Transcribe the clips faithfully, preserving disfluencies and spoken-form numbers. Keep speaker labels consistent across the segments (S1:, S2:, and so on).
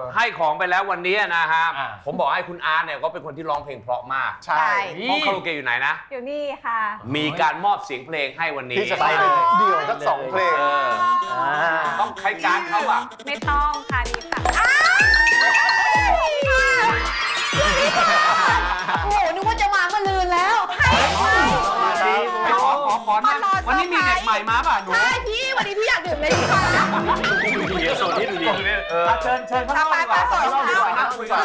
S1: ให้ของไปแล้ววันนี้นะฮะผมบอกให้คุณอาร์ตเนี่ยก็เป็นคนที่ร้องเพลงเพราะมาก
S2: ใช่
S1: ห้องคาราโอเกะอยู่ไหนนะ
S3: อยู่นี่ค่ะ
S1: มีการมอบเสียงเพลงให้วันนี้
S2: ที่จะไปเดี่ยวสักสองเพลง
S1: ต้องใช้การเขาอะ
S3: ไม่ต้องค่ะนี่ค่ะ
S4: โอ้โหนึกว่าจะมาเมื่อลืนแล้ว
S1: ขอขอขอนะวันนี้มีเด็กใหม่มาป่ะหนู
S4: ใช่พี่วันนี้พี่อยากดื่มเลยค่ะ
S1: เดี๋ยวโซนนี้ดูดิ
S2: เชิญเชิญข้างนอกดีกว่าข้างนอกดีกว่าคุยกัน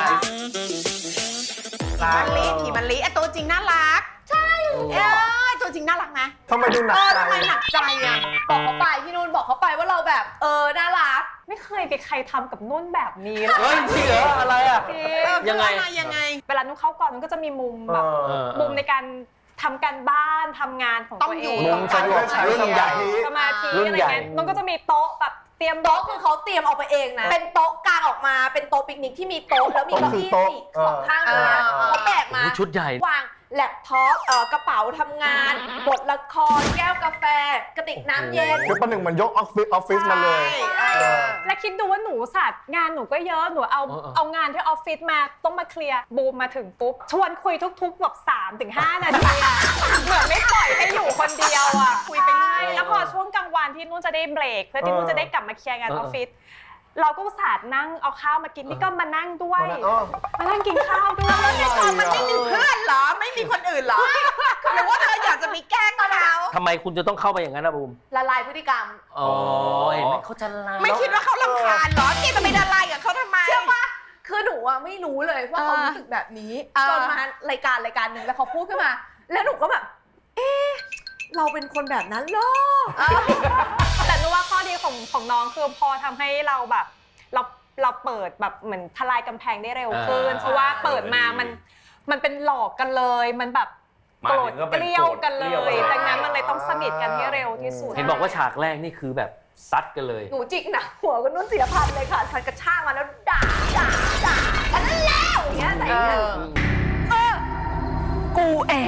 S4: มันลีผีมันลีไอตัวจริงน่ารักใช่เออตัวจริงน่ารักไหม
S2: ทำไมดูหนักใจ
S4: ทำไมหนักใจอ่ะบอกเขาไปพี่นุ่นบอกเขาไปว่าเราแบบเออน่ารัก
S3: ไม่เคยมีใครทำกับนุ่นแบบนี้เลย
S1: เฮ้ยจริงเหรออะไรอ่ะ
S4: ยังไงยังไง
S3: เวลานุ่นเข้าก่อนนุ่นก็จะมีมุมแบบมุมในการทำการบ้านทำงานของตัวเอง
S2: มุมสมาธิรุ่นใหญ่
S3: สมาธิอะไรเงี้ยนุ่นก็จะมีโต๊ะแบบเตรียม
S4: โต๊ะคือเขาเตรียมออกไปเองนะเป็นโต๊ะกางออกมาเป็นโต๊ะปิกนิกที่มีโต๊ะแล้วมีเก้าอี้สี่สองข้างเลยเขาแบกมา
S1: ชุดใหญ่
S4: วางแล็ปท็อปกระเป๋าทำงานบทละครแก้วกาแฟกระติกน้ำเย็น
S2: คือประหนึ่งมันยกออฟฟิศออฟฟิศมาเลย
S3: และคิดดูว่าหนูสัตว์งานหนูก็เยอะหนูเอาเอางานที่ออฟฟิศมาต้องมาเคลียร์บูมมาถึงปุ๊บชวนคุยทุกๆแบบสามถึงห้านาทีเหมือนไม่ปล่อยให้อยู่คนเดียวอ่ะคุยไปเรื่อยแล้วพอช่วงกลางวันที่นุ่นจะได้เบรกเพื่อที่นุ่นจะได้กลับมาเคลียร์งานออฟฟิศเราก็อุตส่าห์นั่งเอาข้าวมากินนี่ก็มานั่งด้วยมานั่งกินข้าวด้วย
S4: ในตอนมันไม่มีเพื่อนเหรอไม่มีคนอื่นเหรอหรือว่าเธออยากจะมีแกล้งเขา
S5: ทำไมคุณจะต้องเข้าไปอย่างนั้นนะบูม
S4: ละลายพฤติกรรม
S5: อ๋อเห็นไหมเขาจะละ
S4: ไม่คิดว่าเขารำคาญเหรอที่จะไปละลายกับเขาทำไมเชื่อป่ะคือหนูอะไม่รู้เลยว่าเขารู้สึกแบบนี้จนมารายการรายการหนึ่งแล้วเขาพูดขึ้นมาแล้วหนูก็แบบเอ๊ะเราเป็นคนแบบนั้นเหรอ
S3: แต่รู้ว่าข้อดีของของน้องคือพอทำให้เราแบบเราเราเปิดแบบเหมือนทลายกำแพงได้เร็วขึ้นเพราะว่าเปิดมามันมันเป็นหลอกกันเลยมันแบบโกรธเกลี้ยวกันเลยดังนั้นมันเลยต้องสนิทกันให้เร็วที่สุด
S5: เห็นบอกว่าฉากแรกนี่คือแบบซัดกันเลย
S4: หนูจิกหนักหัวกับนุ่นศิลพันธ์เลยค่ะฉันกระชากมาแล้วด่าด่าด่าฉันแล้วอย่างเงี้ยแต่เออเออกูเอง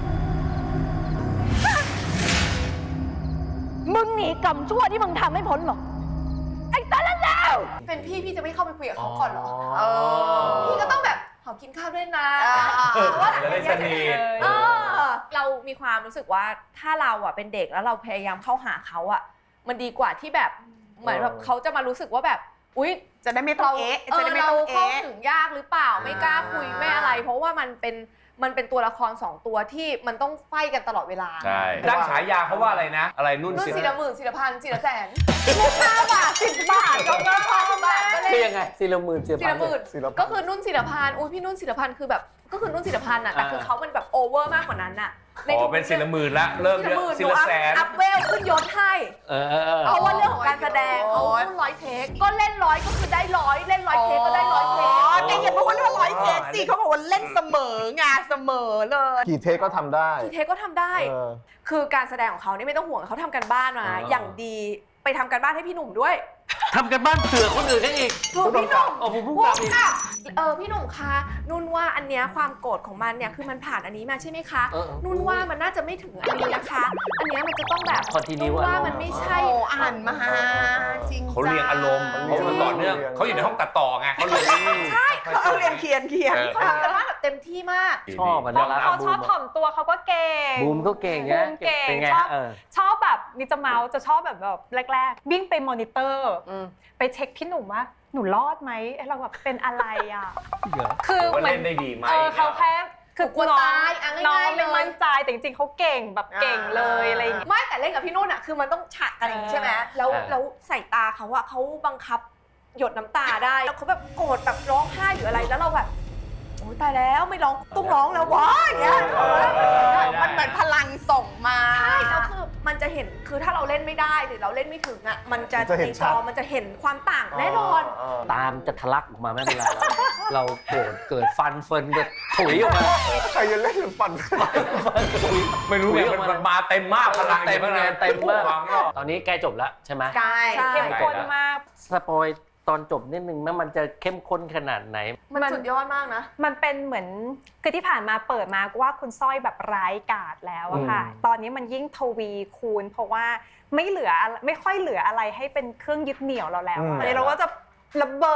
S4: มึงหนีกรรมชั่วที่มึงทำไม่พ้นหรอกไอ้สารแล้วเป็นพี่พี่จะไม่เข้าไปคุยกับเขาก่อนหรอเออพี่ก็ต้องแบบขอกินข้าวด้วยนะ
S1: ว่าจะได้สนิท
S4: เรามีความรู้สึกว่าถ้าเราอ่ะเป็นเด็กแล้วเราพยายามเข้าหาเขาอ่ะมันดีกว่าที่แบบเหมือนแบบเขาจะมารู้สึกว่าแบบอุ๊ย
S6: จะได้ไม่ต้องเอ๊ะ
S4: จะได้ไม่ต้องเข้าถึงยากหรือเปล่าไม่กล้าคุยไม่อะไรเพราะว่ามันเป็นมันเป็นตัวละครสองตัวที่มันต้องไฟกันตลอดเวลา
S1: ใช่ตั้งฉายาเขาว่าอะไรนะอะไรนุ่น
S4: ศิลหมื่นศิลพันธ์ศิลแสนห้าบาทสิบบาทก็ก็พอบาทก็เลย
S5: คือยังไงศิลหมื่นศิลพันธ์
S4: ก็คือนุ่นศิลพันธ์อุ้ยพี่นุ่นศิลพันธ์คือแบบก็คือนุ่นศิลพันธ์อ่ะแต่คือเขามันแบบโอเวอร์มากกว่านั้นอ่ะ
S1: อ๋อเป็นศิลหมื่นละเริ่มเยอะศิลแสน
S4: อัพเวลขึ้นยศให้เพราะว่าเรื่องของการแสดงเขาขึ้นร้อยเทคก็เล่นร้อยก็คือได้ร้อยเล่นร้อยเทคก็ได้ร้อยเทค
S6: แต่อย่าบอกว่าร้อยเทคสิเขาบอกว่าเล่นเสมอไงเสมอเลย
S2: กี่เทคก็ทำได้
S4: กี่เทคก็ทำได้คือการแสดงของเขานี่ไม่ต้องห่วงเขาทำกันบ้านมาอย่างดีไปทำกันบ้านให้พี่หนุ่มด้วย
S5: ทำกันบ้านเผื่อคนอื่นได้อีก
S4: พี่หนุ่ม
S5: อ๋อผมพูดกับ
S4: เออพี่หนุ่มคะนุ่นว่าอันเนี้ยความโกรธของมันเนี่ยคือมันผ่านอันนี้มาใช่ไหมคะนุ่นว่ามันน่าจะไม่ถึงอันนี้นะคะอันเนี้ยมันจะต้องแบบนุ่นว่ามันไม่ใช่
S6: อ่านมาจริง
S1: เขาเรียงอารมณ์เขาต่อเนื่องเขาอยู่ในห้องตัดต่อไงเขาเลย
S6: ใช่เขาเรียนเขียนเขียน
S4: เขาทำกันบ้านแบบเต็มที่มาก
S5: ชอบอ่ะนะ
S3: เขาชอบถ่อมตัวเขาก็เก่ง
S5: บูมก็เก่ง
S3: บูมเก่งชอบชอบแบบมีจะเมาส์จะชอบแบบแบบแรกๆวิ่งไปมอนิเตอร์ไปเช็คพี่หนุ่มว่าหนูรอดไหมเราแบบเป็นอะไรอ่ะ
S1: คือเหมือนได้ดีไหม
S3: เขาแค่คือกลัวตายน้องไม่มั่นใจแต่จริงๆเขาเก่งแบบเก่งเลยอะไรอย่างเงี้ย
S4: ไม่แต่เล่นกับพี่นุ่นอ่ะคือมันต้องฉากกันอย่างนี้ใช่ไหมแล้วแล้วใส่ตาเขาอะเขาบังคับหยดน้ำตาได้แล้วเขาแบบโกรธแบบร้องไห้หรืออะไรแล้วเราแบบโอ้ตายแล้วไม่ร้องต้องร้องแล้ววะอย่างเงี้ย
S6: มันเหมือนพลังส่งมา
S4: ใช่แล้วคือมันจะเห็นคือถ้าเราเล่นไม่ได้หรือเราเล่นไม่ถึงอ่ะมันจะในจอมันจะเห็นความต่างแน่นอน
S5: ตามจะทะลักออกมาไม่เป็นไรเราโกรธเกิดฟันเฟินแบบถุยออกมา
S2: ใครจะเล่นฟัน
S1: ไม่รู้เนี่ยมันมาเต็มมากพลัง
S5: เต็มเต็มมากตอนนี้ใกล้จบแล้วใช่ไหม
S3: ใช่เข้มข้นมาก
S5: สปอยตอนจบนิดนึงมันจะเข้มข้นขนาดไหน
S4: มันสุดยอดมากนะ
S3: มันเป็นเหมือนคือที่ผ่านมาเปิดมาว่าคุณสร้อยแบบร้ายกาจแล้วอะค่ะตอนนี้มันยิ่งทวีคูณเพราะว่าไม่เหลือไม่ค่อยเหลืออะไรให้เป็นเครื่องยึดเหนี่ยวเราแล้วตอนนี้เราก็จะระเบิด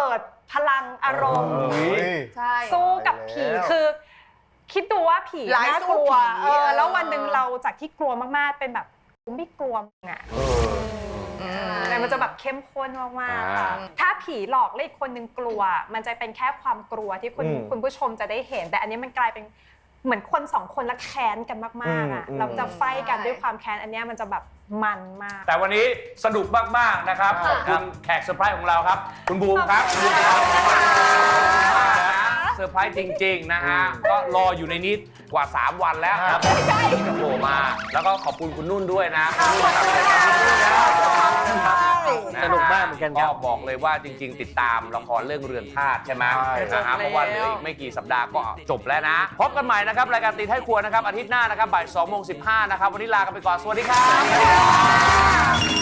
S3: พลังอารมณ์
S4: ใช่
S3: สู้กับผี
S2: แล้ว
S3: คือ คิดดูว่าผี
S6: ร้าย
S3: น่า
S6: สู้
S3: กลัว
S6: ผี
S3: เออแล้ว
S6: เออ
S3: วันหนึ่งเราจากที่กลัวมากๆเป็นแบบกูไม่กลัวมึงอ่ะแต่มันจะแบบเข้มข้นมากๆค่ะถ้าผีหลอกแล้วอีกคนนึงกลัว มันจะเป็นแค่ความกลัวที่คุณ
S2: อืม
S3: คุณผู้ชมจะได้เห็น แต่อันนี้มันกลายเป็นเหมือนคนสองคนละแค้นกันมากๆอ่ะ
S2: อืม
S3: เราจะไฟกันด้วยความแค้นอันเนี้ยมันจะแบบมันมาก
S1: แต่วันนี้สนุกมากๆนะครับขอบคุณแขกเซอร์ไพรส์ของเราครับ คุณบูมครับ
S3: ขอบคุณค่ะ
S1: เซอร์ไพรส์จริงๆนะฮะก็รออยู่ในนี้กว่า สาม วันแล้วครับโผล่มาแล้วก็ขอบคุณคุณนุ่นด้วยนะคุณนุ่นครับ
S5: สนุกมากเหมือนกันครับ
S1: ก็บอกเลยว่าจริง ๆ ติดตามละครเรื่องเรือนธาตุใช่ไหม
S2: ใช่
S1: นะฮะเพราะว่าเหลืออีกไม่กี่สัปดาห์ก็จบแล้วนะ พบกันใหม่นะครับรายการตีท้ายครัวนะครับอาทิตย์หน้านะครับบ่ายสองโมงสิบห้านะครับวันนี้ลากันไปก่อนสวัสดีครับ